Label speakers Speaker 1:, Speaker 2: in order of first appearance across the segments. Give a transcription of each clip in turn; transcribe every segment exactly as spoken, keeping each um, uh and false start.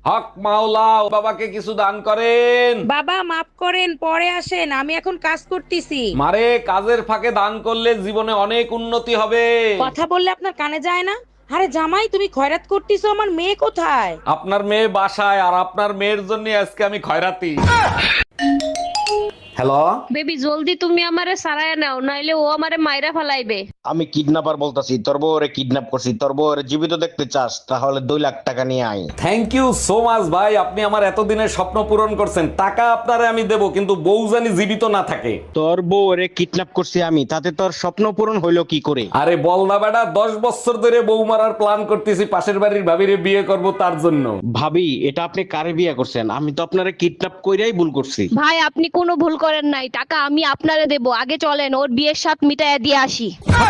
Speaker 1: হক মাওলা, ও বাবাকে কিছু দান করেন।
Speaker 2: বাবা মাফ করেন, পরে আসেন, আমি এখন কাজ করতেছি।
Speaker 1: মারে, কাজের ফাঁকে দান করলে জীবনে অনেক উন্নতি হবে।
Speaker 2: কথা বললে আপনার কানে যায় না? আরে জামাই, তুমি খয়রাত করতেছো, আমার মেয়ে কোথায়?
Speaker 1: আপনার মেয়ে বাসায়, আর আপনার মেয়ের জন্য আজকে আমি খয়রাতি। হ্যালো,
Speaker 3: বেবি জলদি তুমি আমারে সারায় নাও, নাইলে ও আমারে মাইরা ফালাইবে।
Speaker 4: আমি কিডন্যাপার বলতাছি, তোর বউরে কিডন্যাপ করছি। তোর বউরে জীবিত দেখতে চাস তাহলে দুই লাখ টাকা নিয়ে আয়।
Speaker 1: থ্যাংক ইউ সো মাচ ভাই, আপনি আমার এতদিনের স্বপ্ন পূরণ করছেন। টাকা আপনারে আমি দেবো, কিন্তু বউ জানি জীবিত না থাকে।
Speaker 4: তোর বউরে কিডন্যাপ করছি আমি, তাতে তোর স্বপ্ন পূরণ হইলো কি করে?
Speaker 1: আরে বল না বেটা, দশ বছর ধরে বউ মারার প্ল্যান করতেছি, পাশের বাড়ির ভাবিরে বিয়ে করব তার জন্য।
Speaker 4: ভাবি, এটা আপনি কারে বিয়ে করছেন? আমি তো আপনারে কিডন্যাপ কইরাই ভুল করছি।
Speaker 3: ভাই আপনি কোনো ভুল করেন নাই, টাকা আমি আপনারে দেব। আগে চলেন ওর বিয়ের সাথ মিটাইয়া দিয়ে আসি।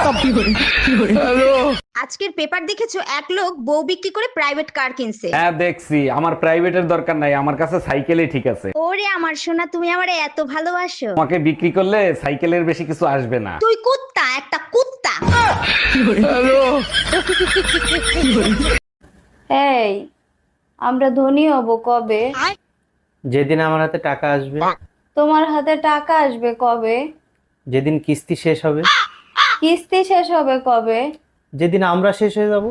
Speaker 5: আজকের পেপার দেখেছো, এক লোক বউ বিক্রি করে প্রাইভেট কার কিনছে।
Speaker 1: হ্যাঁ দেখছি, আমার প্রাইভেটের দরকার নাই, আমার কাছে সাইকেলই ঠিক আছে।
Speaker 5: ওরে আমার সোনা, তুমি আমারে এত ভালোবাসো।
Speaker 1: আমাকে বিক্রি করলে সাইকেলের বেশি কিছু আসবে না।
Speaker 5: তুই কুত্তা, একটা কুত্তা।
Speaker 6: এই আমরা ধনী হব কবে?
Speaker 7: যেদিন আমার হাতে টাকা আসবে।
Speaker 6: তোমার হাতে টাকা আসবে কবে?
Speaker 7: যেদিন কিস্তি শেষ হবে।
Speaker 6: কিস্তি শেষ হবে কবে?
Speaker 7: যেদিন আমরা শেষ হয়ে যাব।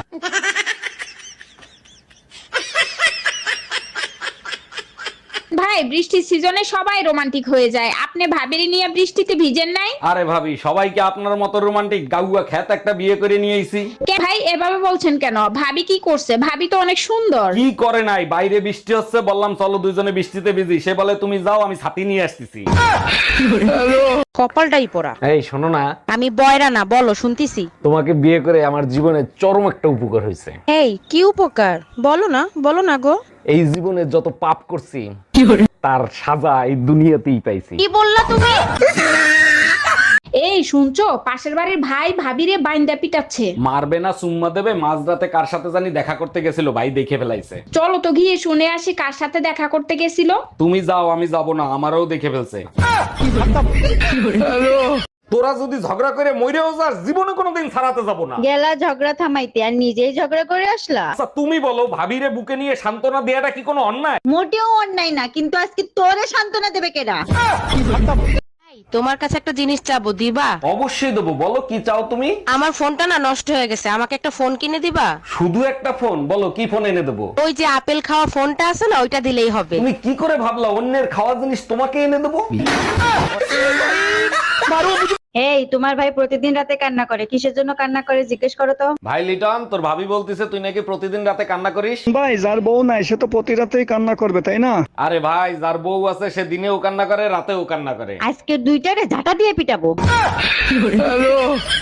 Speaker 8: ভাই, বৃষ্টির সিজনে সবাই রোমান্টিক হয়ে যায়, আপনি ভাবিরি নিয়ে বৃষ্টিতে ভিজেন নাই?
Speaker 1: আরে ভাবি, সবাইকে আপনার মতো রোমান্টিক গাউয়া খ্যাত একটা বিয়ে করে নিয়ে আইছি।
Speaker 8: কে ভাই এভাবে বলছেন কেন? ভাবি কি করছে? ভাবি তো অনেক সুন্দর।
Speaker 1: কি করে নাই, বাইরে বৃষ্টি হচ্ছে, বললাম চলো দুজনে বৃষ্টিতে ভিজি, সে বলে তুমি যাও, আমি ছাতি নিয়ে আসতেছি।
Speaker 2: কপালটাই পড়া।
Speaker 1: এই শোনো না,
Speaker 2: আমি বয়রা না, বলো শুনতিছি।
Speaker 1: তোমাকে বিয়ে করে আমার জীবনে চরম একটা উপকার হয়েছে।
Speaker 2: এই কি উপকার? বলো না, বলো না গো।
Speaker 1: এই জীবনে যত পাপ করছি তার সাজা এই দুনিয়াতেই পাইছি।
Speaker 8: কি বললা তুমি? এই শুনছো, পাশের বাড়ির ভাই ভাবিরে বাইন্দা পিটাচ্ছে।
Speaker 1: মারবে না চুম্মা দেবে, মাঝরাতে কার সাথে জানি দেখা করতে গেছিল, ভাই দেখে ফেলাইছে।
Speaker 8: চলো তো গিয়ে শুনে আসি কার সাথে দেখা করতে গেছিল।
Speaker 1: তুমি যাও, আমি যাব না, আমারও দেখে ফেলছে। তোরা যদি ঝগড়া করে মইরেও যাস, জীবনে কোনোদিন ছাড়াতে যাব না।
Speaker 6: গেলা ঝগড়া থামাইতে আর নিজেই ঝগড়া করে আসলা।
Speaker 1: আচ্ছা তুমি বলো, ভাবিরে বুকে নিয়ে সান্ত্বনা দেয়াটা কি কোনো অন্যায়?
Speaker 6: মোটেও অন্যায় না, কিন্তু আজকে তোরে সান্ত্বনা দেবে কেডা?
Speaker 2: তোমার কাছে একটা জিনিস চাবো, দিবা?
Speaker 1: অবশ্যই দেবো, বলো কি চাও তুমি?
Speaker 2: আমার ফোনটা না নষ্ট হয়ে গেছে, আমাকে একটা ফোন কিনে দিবা?
Speaker 1: শুধু একটা ফোন? বলো কি ফোন এনে দেবো।
Speaker 2: ওই যে আপেল খাওয়া ফোনটা আছে না, ওইটা দিলেই হবে।
Speaker 1: তুমি কি করে ভাবলা অন্যের খাওয়া জিনিস তোমাকে এনে দেবো?
Speaker 6: এই তোমার ভাই প্রতিদিন রাতে কান্না করে, কিসের জন্য কান্না করে জিজ্ঞেস করো তো।
Speaker 1: ভাই লিটন, তোর ভাবি বলতিছে তুই নাকি প্রতিদিন রাতে কান্না করিস।
Speaker 9: ভাই, যার বউ নাই সে তো প্রতি রাতেই কান্না করবে, তাই না?
Speaker 1: আরে ভাই, যার বউ আছে সে দিনেও কান্না করে, রাতেও কান্না করে।
Speaker 6: আজকে দুইটারে ঝাঁটা দিয়ে পিটাবো।